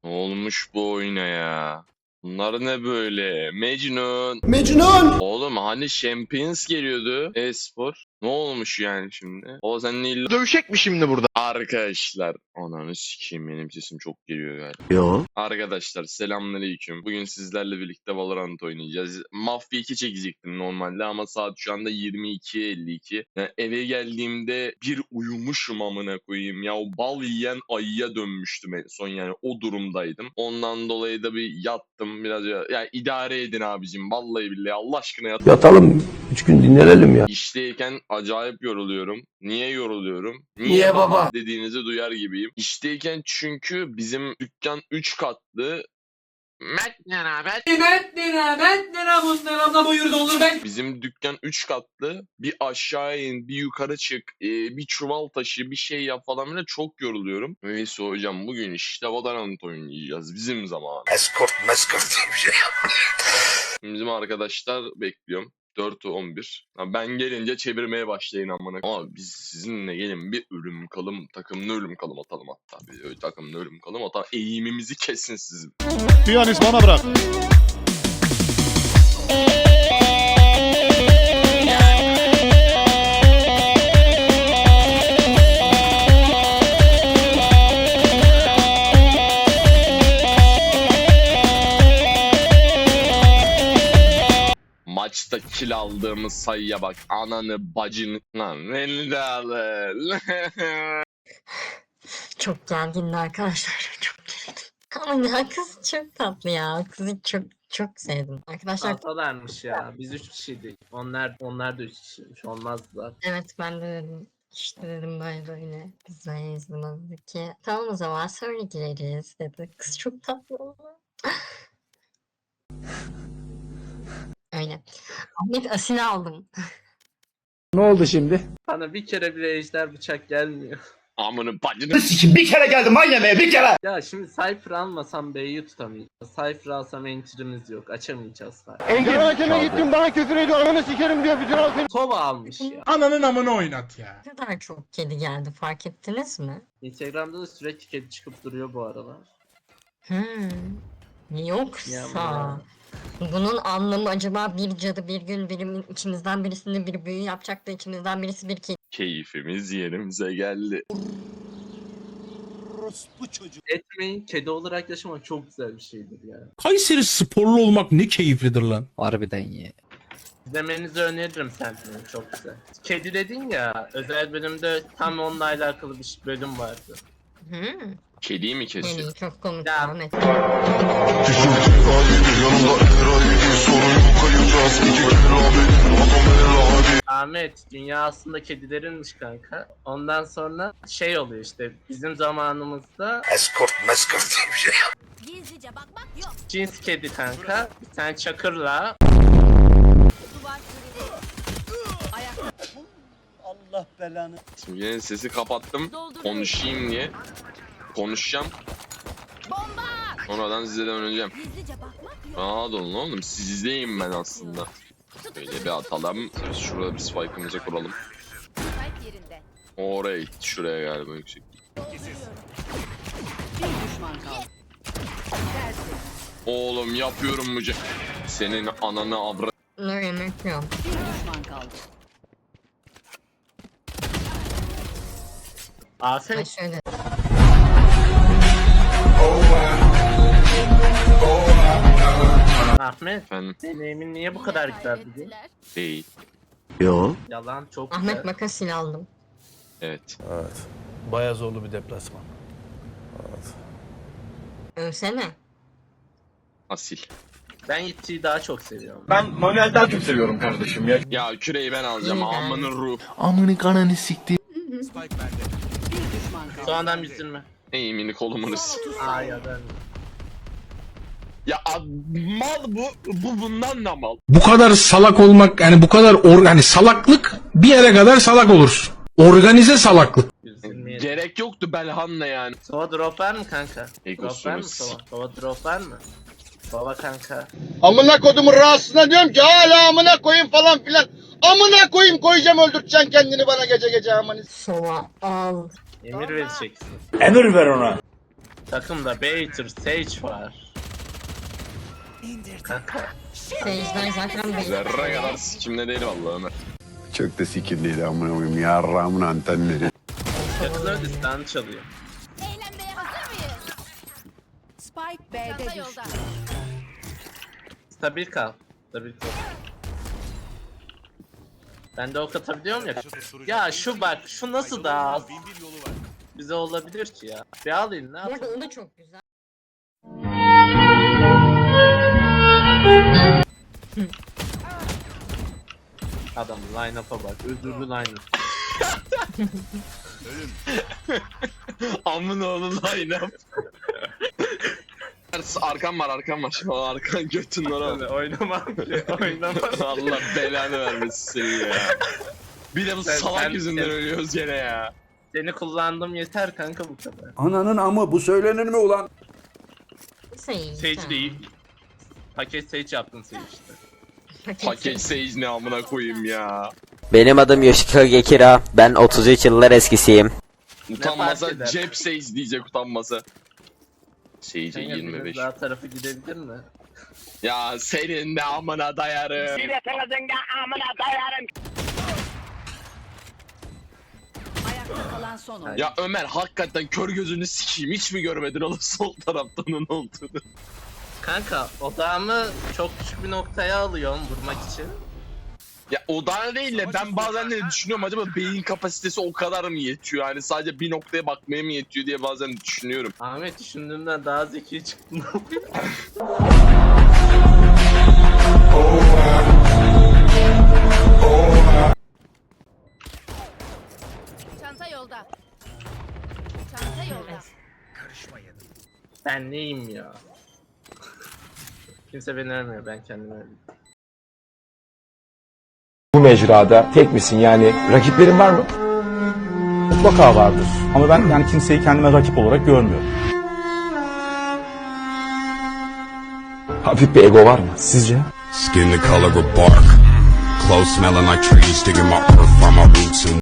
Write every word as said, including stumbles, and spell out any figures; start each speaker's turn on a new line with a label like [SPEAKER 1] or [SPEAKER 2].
[SPEAKER 1] Ne olmuş bu oyuna ya? Bunlar ne böyle? Mecnun.
[SPEAKER 2] Mecnun!
[SPEAKER 1] Oğlum hani Champions geliyordu e-spor. Ne olmuş yani şimdi? O seninle illa...
[SPEAKER 3] Dövüşecek mi şimdi burada?
[SPEAKER 1] Arkadaşlar. Ananı sikeyim, benim sesim çok geliyor galiba.
[SPEAKER 2] Yo.
[SPEAKER 1] Arkadaşlar selamünaleyküm. Bugün sizlerle birlikte Valorant oynayacağız. Mafya iki çekecektim normalde ama saat şu anda yirmi iki elli iki. Yani eve geldiğimde bir uyumuşum amına koyayım. Ya o bal yiyen ayıya dönmüştüm en son, yani o durumdaydım. Ondan dolayı da bir yattım biraz ya. Ya idare edin abicim, vallahi billahi Allah aşkına yat.
[SPEAKER 2] Yatalım. Üç gün dinlenelim ya.
[SPEAKER 1] İşteyken acayip yoruluyorum. Niye yoruluyorum?
[SPEAKER 2] Niye baba?
[SPEAKER 1] Dediğinizi duyar gibiyim. İşteyken çünkü bizim dükkan üç katlı. Mert ne haber?
[SPEAKER 4] Mert lira, Mert lira bunlar abla buyur doldur ben.
[SPEAKER 1] Bizim dükkan üç katlı. Bir aşağı in, bir yukarı çık, e, bir çuval taşı, bir şey yap falan bile, çok yoruluyorum. Neyse hocam, bugün işte Valorant oynayacağız. Bizim zaman.
[SPEAKER 2] Escort meskort diye bir şey.
[SPEAKER 1] Bizim arkadaşlar bekliyorum. dört on bir. Ha, ben gelince çevirmeye başlayın amına. Ama biz sizinle gelin bir ölüm kalım, takımlı ölüm kalım atalım hatta. Bir öyle takımlı ölüm kalım atalım. Eğimimizi kesin sizin.
[SPEAKER 3] Piyanist bana bırak.
[SPEAKER 1] Maçta kill aldığımız sayıya bak. Ananı bacını. Lan beni de alın.
[SPEAKER 5] Çok gergindi arkadaşlar. Çok gerildim. Ama ya kız çok tatlı ya. Kızı çok çok sevdim. Arkadaşlar
[SPEAKER 4] Alsalarmış ya. Biz üç kişiydik. Onlar onlar da üç kişiymiş. Olmazlar.
[SPEAKER 5] evet ben de dedim. İşte dedim böyle böyle. Biz böyleyiz buna dedik ki. Tamam o zaman sonra gireriz dedi. Kız çok tatlı oldu. Öyle. Ahmet Asil aldım.
[SPEAKER 2] Ne oldu şimdi?
[SPEAKER 4] Bana bir kere bile ejder bıçak gelmiyor.
[SPEAKER 1] Amını bacını.
[SPEAKER 2] Sikim bir kere geldim aynı bir kere.
[SPEAKER 4] Ya şimdi Cypher almasam B'yi tutamayacağız. Cypher alsam enter'imiz yok. Açamayacağız falan.
[SPEAKER 3] Engin hakeme gittim bana küfür ediyor. Ananı sikerim diyor. Bütün halkın.
[SPEAKER 4] Sova almış ya.
[SPEAKER 6] Ananın amını oynat ya.
[SPEAKER 5] Ne kadar çok kedi geldi fark ettiniz mi?
[SPEAKER 4] Instagram'da da sürekli kedi çıkıp duruyor bu aralar.
[SPEAKER 5] Hmm. Yoksa
[SPEAKER 4] Ya.
[SPEAKER 5] bunun anlamı acaba bir cadı bir gün birimin içimizden birisinde bir büyü yapacak da içimizden birisi bir kedi.
[SPEAKER 1] Keyfimiz yerimize geldi.
[SPEAKER 4] Etmeyin, kedi olarak yaşamak çok güzel bir şeydir ya.
[SPEAKER 6] Kayseri sporlu olmak ne keyiflidir lan.
[SPEAKER 7] Harbiden ya.
[SPEAKER 4] İzlemenizi öneririm Sentinel, çok güzel. Kedi dedin ya, özel bölümde tam onunla alakalı bir bölüm vardı.
[SPEAKER 5] Hmm.
[SPEAKER 1] Kediyi mi kesiyor?
[SPEAKER 5] Yani çok komik
[SPEAKER 4] Ya.
[SPEAKER 5] Ahmet.
[SPEAKER 4] Ahmet, dünya aslında kedilerinmiş kanka. Ondan sonra şey oluyor işte, bizim zamanımızda
[SPEAKER 2] Escort meskort diye bir şey.
[SPEAKER 8] Gizlice bakmak yok.
[SPEAKER 4] cins kedi kanka, bir tane çakırla
[SPEAKER 8] Duvar kırıldı. Ayakta
[SPEAKER 2] Allah belanı.
[SPEAKER 1] Şimdi yine sesi kapattım.
[SPEAKER 8] dolduruyor.
[SPEAKER 1] Konuşayım diye. Konuşacağım.
[SPEAKER 8] Bomba!
[SPEAKER 1] Sonradan size döneceğim.
[SPEAKER 8] Gizlice bakmak yok.
[SPEAKER 1] Rahat olun oğlum. Sizdeyim ben aslında. Böyle bir atalım. Biz şurada bir spike'ımızı kuralım.
[SPEAKER 8] Spike yerinde.
[SPEAKER 1] Oraya gitti. Şuraya galiba yüksek.
[SPEAKER 8] Bir düşman kaldı.
[SPEAKER 1] Oğlum yapıyorum bu ce- Senin ananı avra...
[SPEAKER 5] Dur yemek yok.
[SPEAKER 8] Bir düşman kaldı.
[SPEAKER 5] Ay
[SPEAKER 4] Afet,
[SPEAKER 5] şöyle.
[SPEAKER 4] Ahmet,
[SPEAKER 1] Efendim
[SPEAKER 4] deneyimin niye bu kadar güzel bugün?
[SPEAKER 8] Kaybettiler.
[SPEAKER 1] değil.
[SPEAKER 2] Yo.
[SPEAKER 4] Yalan çok
[SPEAKER 5] Ahmet
[SPEAKER 4] güzel.
[SPEAKER 5] makasil aldım.
[SPEAKER 1] Evet.
[SPEAKER 9] Evet. Bayağı zorlu bir deplasman.
[SPEAKER 5] Ölsene.
[SPEAKER 1] Asil.
[SPEAKER 4] Ben Yitti'yi daha çok seviyorum.
[SPEAKER 3] Ben manuel daha çok seviyorum kardeşim ya.
[SPEAKER 1] Ya küreği ben alacağım.
[SPEAKER 5] İyi ben.
[SPEAKER 1] Amının ruh.
[SPEAKER 9] Amını kanını sikti.
[SPEAKER 8] Bir düşman kaldı.
[SPEAKER 4] Sonradan üzülme.
[SPEAKER 1] Ey mini kolumunuz.
[SPEAKER 4] Aa ya ben.
[SPEAKER 1] Ya ad- mal bu. Bu bundan da mal.
[SPEAKER 6] Bu kadar salak olmak, yani bu kadar or yani salaklık bir yere kadar salak olursun. Organize salaklık.
[SPEAKER 4] Üzülmeyelim.
[SPEAKER 1] Gerek yoktu Belhan'la yani.
[SPEAKER 4] Sova drop var mı kanka?
[SPEAKER 1] Ey
[SPEAKER 4] Drop var mı
[SPEAKER 1] kusumuz.
[SPEAKER 4] Sova? Sova drop var mı? Sova kanka.
[SPEAKER 3] Amına kodumun rahatsızına diyorum ki hala amına koyayım falan filan. Amına koyayım koyacağım öldürteceksin kendini bana gece gece amanı.
[SPEAKER 5] Sova al.
[SPEAKER 4] Emir vereceksin.
[SPEAKER 2] Emir ver ona.
[SPEAKER 4] Takımda Baiter, Sage var. Kanka.
[SPEAKER 5] Sage'den zaten belli.
[SPEAKER 1] Zerre kadar sikimde değil vallahi Ömer.
[SPEAKER 7] Çok da sikirliydi amına koyayım. Yarrağımın antenleri.
[SPEAKER 4] Yakın listan çalıyor.
[SPEAKER 8] Eğlenmeye hazır mıyız? Spike B'de düştü.
[SPEAKER 4] Stabil kal. Stabil kal. Ben de ok atabiliyorum ya. Ya şu bak, şu nasıl daha az? Bize olabilir ki ya. Bir alayım ne
[SPEAKER 5] Bu arada
[SPEAKER 4] yapayım?
[SPEAKER 5] o da çok güzel.
[SPEAKER 4] Adam line-up'a bak. Özürlü line-up.
[SPEAKER 1] Amına oğlum line up. Arkam var arkam var. Şu an arkan götün var.
[SPEAKER 4] Oynamam ki. Oynamam.
[SPEAKER 1] Allah belanı vermesin seni ya. Bir de bu
[SPEAKER 4] Sen-
[SPEAKER 1] salak
[SPEAKER 4] sen-
[SPEAKER 1] yüzünden
[SPEAKER 4] sen-
[SPEAKER 1] ölüyoruz gene ya.
[SPEAKER 4] Seni kullandım yeter kanka bu kadar.
[SPEAKER 7] Ananın amı bu söylenir mi ulan?
[SPEAKER 5] Sage.
[SPEAKER 4] Sage değil. Paket Sage yaptın Sage işte.
[SPEAKER 1] Paket Sage ne amına koyayım ya.
[SPEAKER 10] Benim adım Yoshiko Gekira. Ben otuz üç yıllar eskisiyim.
[SPEAKER 1] Utanmasa
[SPEAKER 4] fark eder?
[SPEAKER 1] cep Sage diyecek utanmasa. Sage'e
[SPEAKER 4] Kanka
[SPEAKER 1] yirmi
[SPEAKER 4] biraz
[SPEAKER 1] beş.
[SPEAKER 4] daha tarafı gidebilir mi?
[SPEAKER 1] Ya senin de amına dayarım.
[SPEAKER 8] Ayakta kalan son oyun.
[SPEAKER 1] Ya Ömer hakikaten kör gözünü sikeyim hiç mi görmedin oğlum sol tarafta onun olduğunu?
[SPEAKER 4] Kanka odağımı çok küçük bir noktaya alıyorum vurmak için.
[SPEAKER 1] Ya o da değil de ben bazen de düşünüyorum acaba beyin kapasitesi o kadar mı yetiyor? Yani sadece bir noktaya bakmaya mı yetiyor diye bazen düşünüyorum.
[SPEAKER 4] Ahmet düşündüğümden daha zeki çıktın.
[SPEAKER 8] Çanta yolda. Çanta yolda.
[SPEAKER 4] Ben neyim ya? Kimse beni övmüyor, ben kendimi övüyorum.
[SPEAKER 11] Bu mecrada tek misin yani rakiplerin var mı?
[SPEAKER 9] Mutlaka vardır. Ama ben yani kimseyi kendime rakip olarak görmüyorum.
[SPEAKER 11] Hafif bir ego var mı sizce?
[SPEAKER 7] Skin the color of bark. Clothes smelling like trees. Digging my earth from my roots and